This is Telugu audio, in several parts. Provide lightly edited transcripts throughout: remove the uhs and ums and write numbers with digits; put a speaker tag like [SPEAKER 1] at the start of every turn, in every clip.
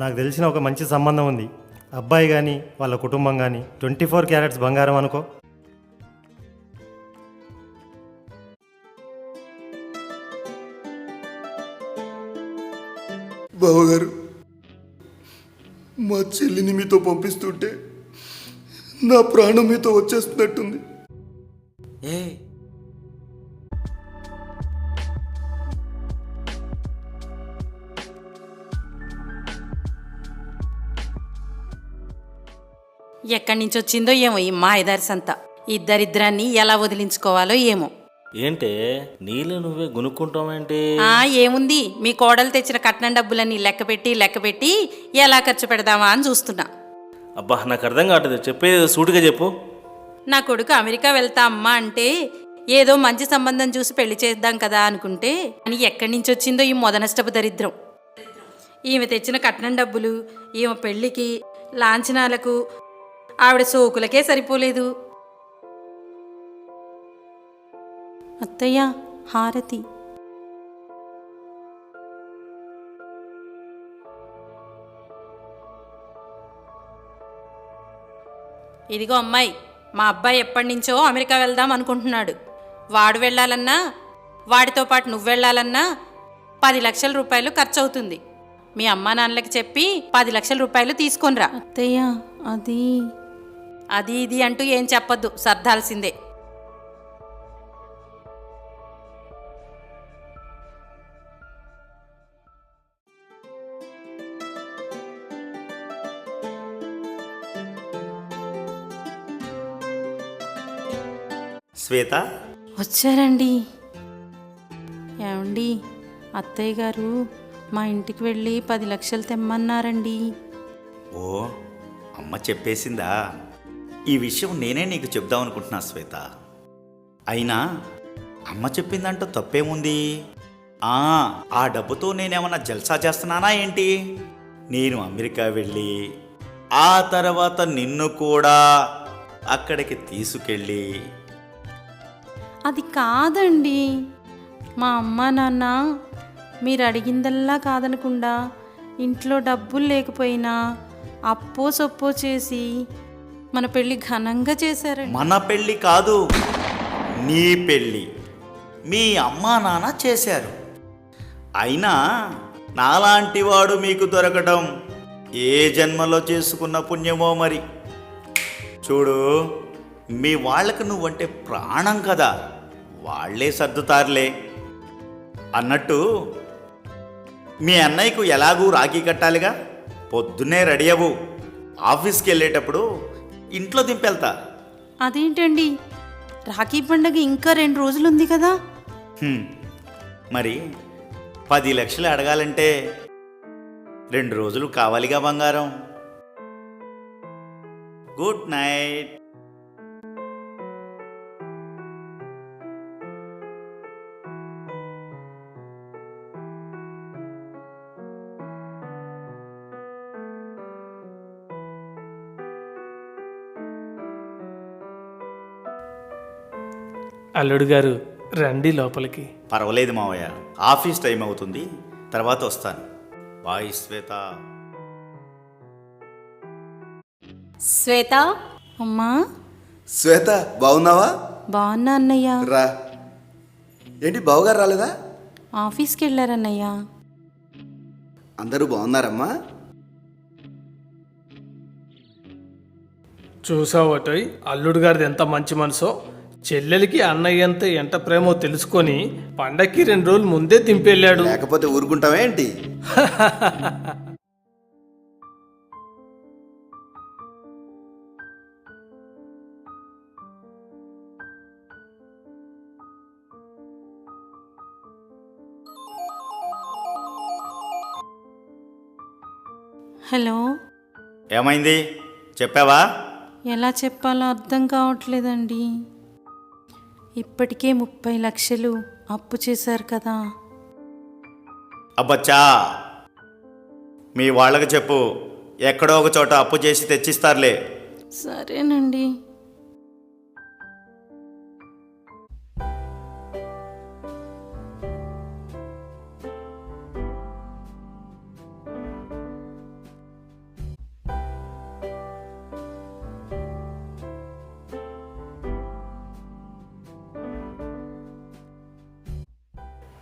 [SPEAKER 1] నాకు తెలిసిన ఒక మంచి సంబంధం ఉంది. అబ్బాయి కానీ వాళ్ళ కుటుంబం కానీ 24 క్యారెట్స్ బంగారం అనుకో.
[SPEAKER 2] బావగారు, మా చెల్లిని మీతో పంపిస్తుంటే నా ప్రాణం మీతో వచ్చేస్తున్నట్టుంది.
[SPEAKER 3] ఏ
[SPEAKER 4] ఎక్కడి నుంచి వచ్చిందో ఏమో ఈ మాయదారి సంత. ఇద్దరిద్దరాన్ని ఎలా వదిలించుకోవాలో ఏమో.
[SPEAKER 3] ఏంటే నీళ్ళు నువ్వే గునుక్కుంటావేంటి?
[SPEAKER 4] ఏముంది, మీ కోడలు తెచ్చిన కట్నం డబ్బులన్నీ లెక్కపెట్టి ఎలా ఖర్చు పెడదామా అని చూస్తున్నా.
[SPEAKER 3] అబ్బా, నాకు అర్థం కావట్లేదు. చెప్పేది సూటిగా చెప్పు.
[SPEAKER 4] నా కొడుకు అమెరికా వెళ్తా అమ్మా అంటే ఏదో మంచి సంబంధం చూసి పెళ్లి చేద్దాం కదా అనుకుంటే, అని ఎక్కడి నుంచి వచ్చిందో ఈ మొదనష్టపు దరిద్రం. ఈమె తెచ్చిన కట్నం డబ్బులు ఈమె పెళ్లికి, లాంఛనాలకు, ఆవిడ సోకులకే సరిపోలేదు. అత్తయ్య, హారతి. ఇదిగో అమ్మాయి, మా అబ్బాయి ఎప్పటి నుంచో అమెరికా వెళ్దాం అనుకుంటున్నాడు. వాడు వెళ్ళాలన్నా, వాడితో పాటు నువ్వు వెళ్ళాలన్నా 10 లక్షల రూపాయలు ఖర్చు అవుతుంది. మీ అమ్మా నాన్నలకి చెప్పి 10 లక్షల రూపాయలు తీసుకొనిరా. అత్తయ్య, అది ఇది అంటూ ఏం చెప్పొద్దు, సర్దాల్సిందే.
[SPEAKER 5] శ్వేత,
[SPEAKER 4] వచ్చారండి. ఏమండి, అత్తయ్య గారు మా ఇంటికి వెళ్ళి 10 లక్షలు తెమ్మన్నారండి.
[SPEAKER 5] ఓ అమ్మ చెప్పేసిందా? ఈ విషయం నేనే నీకు చెప్దాం అనుకుంటున్నా శ్వేత. అయినా అమ్మ చెప్పిందంటూ తప్పేముంది? ఆ డబ్బుతో నేనేమన్నా జల్సా చేస్తున్నానా ఏంటి? నేను అమెరికా వెళ్ళి ఆ తర్వాత నిన్ను కూడా అక్కడికి తీసుకెళ్ళి.
[SPEAKER 4] అది కాదండి, మా అమ్మ నాన్న మీరు అడిగిందల్లా కాదనకుండా ఇంట్లో డబ్బులు లేకపోయినా అప్పో సొప్పో చేసి మన పెళ్ళి ఘనంగా చేశారండి.
[SPEAKER 5] మన పెళ్ళి కాదు, నీ పెళ్ళి మీ అమ్మా నాన్న చేశారు. అయినా నాలాంటి వాడు మీకు దొరకడం ఏ జన్మలో చేసుకున్న పుణ్యమో మరి. చూడు, మీ వాళ్ళకు నువ్వంటే ప్రాణం కదా, వాళ్లే సర్దుతారులే. అన్నట్టు మీ అన్నయ్యకు ఎలాగూ రాఖీ కట్టాలిగా. పొద్దున్నే రెడీ అవ్వు, ఆఫీస్కి వెళ్ళేటప్పుడు ఇంట్లో దింపెళ్తా.
[SPEAKER 4] అదేంటండి, రాఖీ పండగ ఇంకా 2 రోజులుంది కదా.
[SPEAKER 5] మరి 10 లక్షలు అడగాలంటే 2 రోజులు కావాలిగా బంగారం. Good night.
[SPEAKER 6] అల్లుడు గారు, రండి లోపలికి.
[SPEAKER 5] పర్వాలేదు మావయ్య, ఆఫీస్ టైం అవుతుంది, తర్వాత వస్తాను. బాయ్ శ్వేత.
[SPEAKER 4] శ్వేత. అమ్మా.
[SPEAKER 2] శ్వేత, బాగున్నావా?
[SPEAKER 4] బాగున్నా అన్నయ్య.
[SPEAKER 2] రా. ఏంటి బావగారు రాలేదా?
[SPEAKER 4] ఆఫీస్కి వెళ్ళారన్నయ్య.
[SPEAKER 2] అందరూ బాగున్నారమ్మా?
[SPEAKER 6] చూసావటోయ్, అల్లుడు గారిది ఎంత మంచి మనసో. చెల్లెలికి అన్నయ్యంత ఎంత ప్రేమో తెలుసుకొని పండక్కి 2 రోజులు ముందే దింపెళ్ళాడు.
[SPEAKER 2] లేకపోతే ఊరుకుంటావా ఏంటి?
[SPEAKER 4] హలో.
[SPEAKER 5] ఏమైంది చెప్పావా?
[SPEAKER 4] ఎలా చెప్పాలో అర్థం కావట్లేదండి. ఇప్పటికే 30 లక్షలు అప్పు చేశారు కదా.
[SPEAKER 5] అబ్బచ్చా, మీ వాళ్ళకి చెప్పు, ఎక్కడో ఒక చోట అప్పు చేసి తెచ్చిస్తారులే.
[SPEAKER 4] సరేనండి.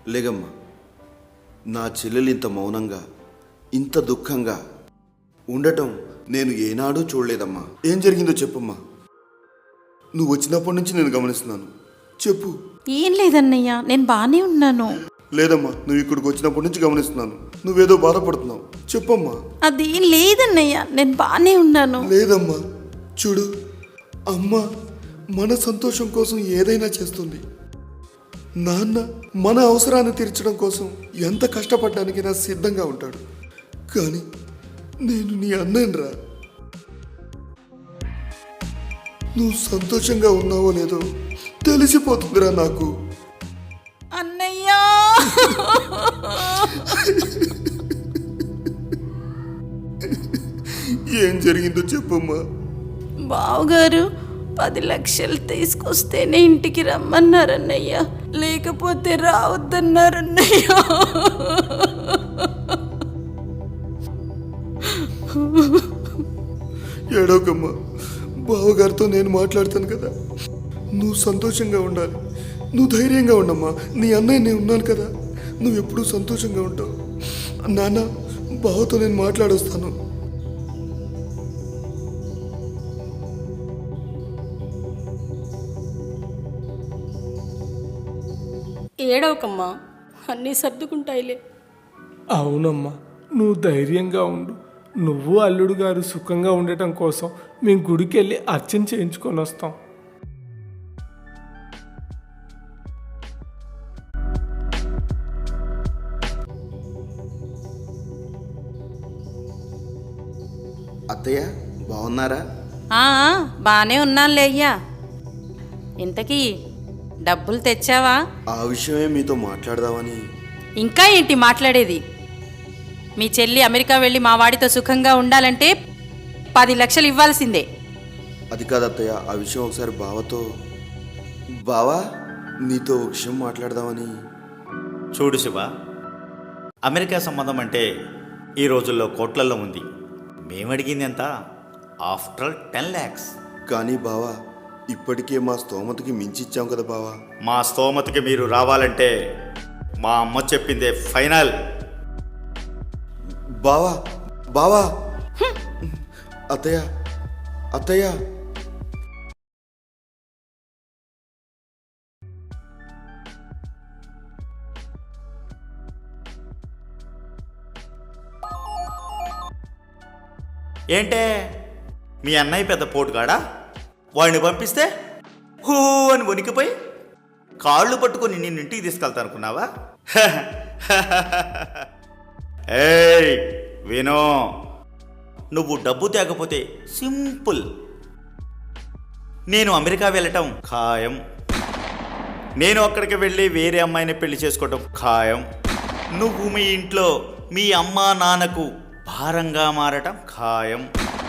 [SPEAKER 2] లేగమ్మా, నా చెల్లెలు ఇంత మౌనంగా, ఇంత దుఃఖంగా ఉండటం నేను ఏనాడూ చూడలేదమ్మా. ఏం జరిగిందో చెప్పమ్మా. నువ్వు వచ్చినప్పటి నుంచి నేను గమనిస్తున్నాను. చెప్పు.
[SPEAKER 4] ఏం లేదన్నయ్య, నేను బాగానే ఉన్నాను.
[SPEAKER 2] లేదమ్మా, నువ్వు ఇక్కడికి వచ్చినప్పటి నుంచి గమనిస్తున్నాను. నువ్వేదో బాధపడుతున్నావు. చెప్పమ్మా.
[SPEAKER 4] అదేం లేదన్నయ్య, నేను బాగానే ఉన్నాను.
[SPEAKER 2] లేదమ్మా, చూడు, అమ్మ మన సంతోషం కోసం ఏదైనా చేస్తుంది. నాన్న మన అవసరాన్ని తీర్చడం కోసం ఎంత కష్టపడడానికి నా సిద్ధంగా ఉంటాడు. కానీ నేను నీ అన్నయ్యరా. నువ్వు సంతోషంగా ఉన్నావో లేదో తెలిసిపోతుందిరా నాకు.
[SPEAKER 4] అన్నయ్య,
[SPEAKER 2] ఏం జరిగిందో చెప్పమ్మా.
[SPEAKER 4] బావగారు 10 లక్షలు తీసుకొస్తేనే ఇంటికి రమ్మన్నారన్నయ్య, లేకపోతే రావద్దన్నారన్నయ్య.
[SPEAKER 2] ఏడవకమ్మా, బావగారితో నేను మాట్లాడతాను కదా. నువ్వు సంతోషంగా ఉండాలి. నువ్వు ధైర్యంగా ఉండమ్మా. నీ అన్నయ్య నేను ఉన్నాను కదా. నువ్వు ఎప్పుడూ సంతోషంగా ఉంటావు. నాన్న, బావతో నేను మాట్లాడొస్తాను.
[SPEAKER 7] ఏడవకమ్మా, అన్నీ సర్దుకుంటాయిలే.
[SPEAKER 6] అవునమ్మా, నువ్వు ధైర్యంగా ఉండు. నువ్వు అల్లుడు గారు సుఖంగా ఉండటం కోసం మేము గుడికి వెళ్ళి అర్చన చేయించుకొని వస్తాం.
[SPEAKER 2] అత్తయ్య బాగున్నారా?
[SPEAKER 4] బాగానే ఉన్నానులే అయ్యా. ఇంతకీ డబ్బులు తెచ్చావా?
[SPEAKER 2] ఆ విషయమే మీతో మాట్లాడదామని.
[SPEAKER 4] ఇంకా ఏంటి మాట్లాడేది? మీ చెల్లి అమెరికా వెళ్ళి మా వాడితో సుఖంగా ఉండాలంటే 10 లక్షలు ఇవ్వాల్సిందే.
[SPEAKER 2] అది కాదు అత్తయ్య, ఆ విషయం ఒకసారి బావతో. బావా, నీతో ఒక విషయం మాట్లాడదామని.
[SPEAKER 5] చూడు శివ, అమెరికా సంబంధం అంటే ఈ రోజుల్లో కోట్లల్లో ఉంది. మేమడిగింది ఎంత? After 10 lakhs.
[SPEAKER 2] కానీ బావా, ఇప్పటికే మా స్తోమతకి మించిచ్చాం కదా బావా.
[SPEAKER 5] మా స్తోమతకి మీరు రావాలంటే మా అమ్మ చెప్పిందే ఫైనల్.
[SPEAKER 2] బావా, బావా. అత్తయ్య, అత్తయ్య.
[SPEAKER 5] ఏంటే, మీ అన్నయ్య పెద్ద పోటుగాడా? వాడిని పంపిస్తే హూ అని వణికిపోయి కాళ్ళు పట్టుకొని నిన్ను ఇంటికి తీసుకెళ్తా అనుకున్నావా? ఏయ్ వినో, నువ్వు డబ్బు తేకపోతే సింపుల్, నేను అమెరికా వెళ్ళటం ఖాయం. నేను అక్కడికి వెళ్ళి వేరే అమ్మాయిని పెళ్లి చేసుకోవటం ఖాయం. నువ్వు మీ ఇంట్లో మీ అమ్మా నాన్నకు భారంగా మారటం ఖాయం.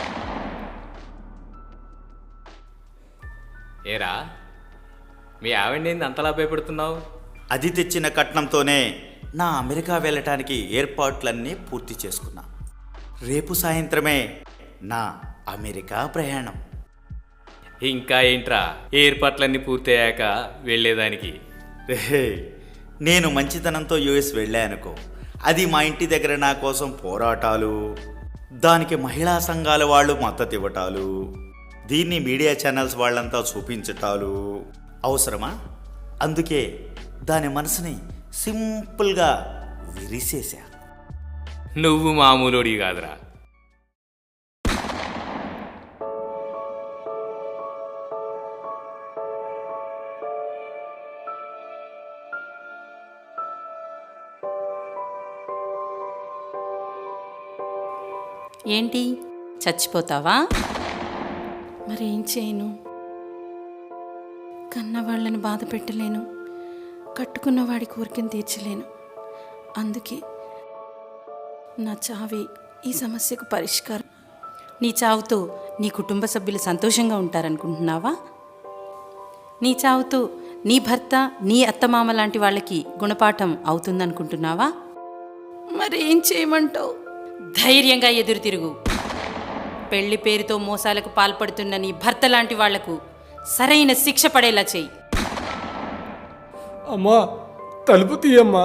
[SPEAKER 8] ఏరా, మీ ఆవిడని అంతలా భయపెడుతున్నావు?
[SPEAKER 5] అది తెచ్చిన కట్నంతోనే నా అమెరికా వెళ్ళటానికి ఏర్పాట్లన్నీ పూర్తి చేసుకున్నా. రేపు సాయంత్రమే నా అమెరికా ప్రయాణం.
[SPEAKER 8] ఇంకా ఏంట్రా ఏర్పాట్లన్నీ పూర్తయ్యాక వెళ్ళేదానికి?
[SPEAKER 5] రే, నేను మంచితనంతో యుఎస్ వెళ్ళానుకో, అది మా ఇంటి దగ్గర నా కోసం పోరాటాలు, దానికి మహిళా సంఘాల వాళ్ళు మద్దతు ఇవ్వటాలు, దీన్ని మీడియా ఛానల్స్ వాళ్ళంతా చూపించటాలు అవసరమా? అందుకే దాని మనసుని సింపుల్గా విరిసేశా.
[SPEAKER 8] నువ్వు మామూలుడి కాదురా.
[SPEAKER 4] ఏంటి, చచ్చిపోతావా? మరేం చేయను? కన్నవాళ్ళని బాధ పెట్టలేను, కట్టుకున్న వాడి కోరికను తీర్చలేను. అందుకే నా చావే ఈ సమస్యకు పరిష్కారం. నీ చావుతో నీ కుటుంబ సభ్యులు సంతోషంగా ఉంటారనుకుంటున్నావా? నీ చావుతో నీ భర్త, నీ అత్తమామ లాంటి వాళ్ళకి గుణపాఠం అవుతుందనుకుంటున్నావా? మరేం చేయమంటావు? ధైర్యంగా ఎదురు తిరుగు. పెళ్లి పేరుతో మోసాలకు పాల్పడుతున్న నీ భర్త లాంటి వాళ్లకు సరైన శిక్ష పడేలా చెయ్యి.
[SPEAKER 6] అమ్మా, తలుపు తీయమ్మా.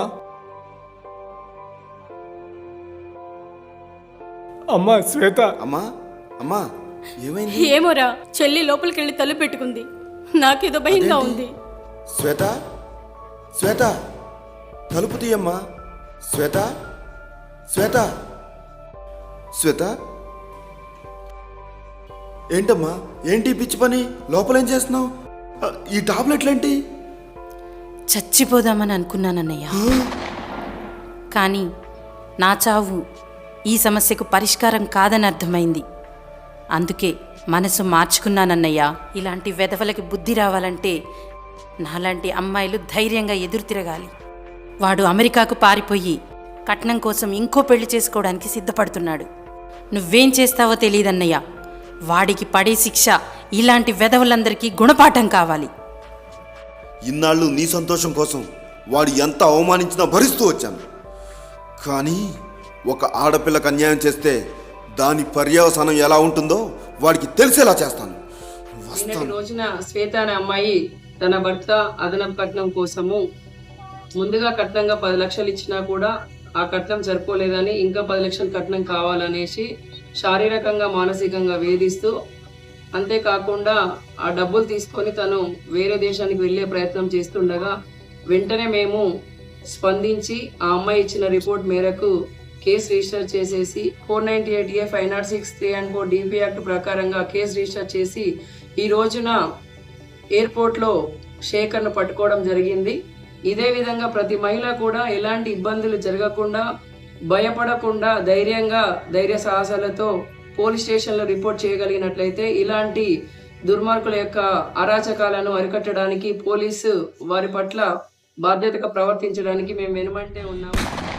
[SPEAKER 6] అమ్మా శ్వేత,
[SPEAKER 2] అమ్మా అమ్మా ఏమైంది?
[SPEAKER 7] ఏమోరా, చెల్లి లోపలికి వెళ్ళి తలుపు పెట్టుకుంది. నాకేదో భయంగా ఉంది.
[SPEAKER 2] శ్వేత శ్వేత తలుపు తీయమ్మా. శ్వేత శ్వేత శ్వేత ఏంటమ్మా, ఏంటి ఈ పిచ్చి పని? లోపలేం చేస్తున్నావు? ఈ టాబ్లెట్లేంటి?
[SPEAKER 4] చచ్చిపోదామని అనుకున్నానన్నయ్య, కానీ నా చావు ఈ సమస్యకు పరిష్కారం కాదని అర్థమైంది. అందుకే మనసు మార్చుకున్నానన్నయ్య. ఇలాంటి వెధవలకి బుద్ధి రావాలంటే నాలాంటి అమ్మాయిలు ధైర్యంగా ఎదురు తిరగాలి. వాడు అమెరికాకు పారిపోయి కట్నం కోసం ఇంకో పెళ్లి చేసుకోవడానికి సిద్ధపడుతున్నాడు. నువ్వేం చేస్తావో తెలియదన్నయ్య. వాడికి పడే శిక్ష ఇలాంటి వెధవలందరికీ గుణపాఠం కావాలి.
[SPEAKER 2] ఇన్నాళ్ళు నీ సంతోషం కోసం వాడు ఎంత అవమానించినా భరిస్తూ వచ్చాను. కానీ ఒక ఆడపిల్లకు అన్యాయం చేస్తే దాని పర్యవసానం ఎలా ఉంటుందో వాడికి తెలిసేలా చేస్తాను.
[SPEAKER 9] నిన్నటి రోజున శ్వేత అనే అమ్మాయి తన భర్త అదనపు కట్నం కోసము ముందుగా కట్నంగా 10 లక్షలు ఇచ్చినా కూడా ఆ కట్నం సరిపోలేదని ఇంకా 10 లక్షలు కట్నం కావాలనేసి శారీరకంగా మానసికంగా వేధిస్తూ, అంతేకాకుండా ఆ డబ్బులు తీసుకొని తను వేరే దేశానికి వెళ్ళే ప్రయత్నం చేస్తుండగా వెంటనే మేము స్పందించి ఆ అమ్మాయి ఇచ్చిన రిపోర్ట్ మేరకు కేసు రిజిస్టర్ చేసేసి 498A 506 3 and 4 DP యాక్ట్ ప్రకారంగా కేసు రిజిస్టర్ చేసి ఈ రోజున ఎయిర్పోర్ట్లో శేఖర్ను పట్టుకోవడం జరిగింది. ఇదే విధంగా ప్రతి మహిళ కూడా ఎలాంటి ఇబ్బందులు జరగకుండా, భయపడకుండా ధైర్యంగా ధైర్య సాహసాలతో పోలీస్ స్టేషన్లో రిపోర్ట్ చేయగలిగినట్లయితే ఇలాంటి దుర్మార్గుల యొక్క అరాచకాలను అరికట్టడానికి పోలీసు వారి పట్ల బాధ్యతగా ప్రవర్తించడానికి మేము వెనుమంటే ఉన్నాము.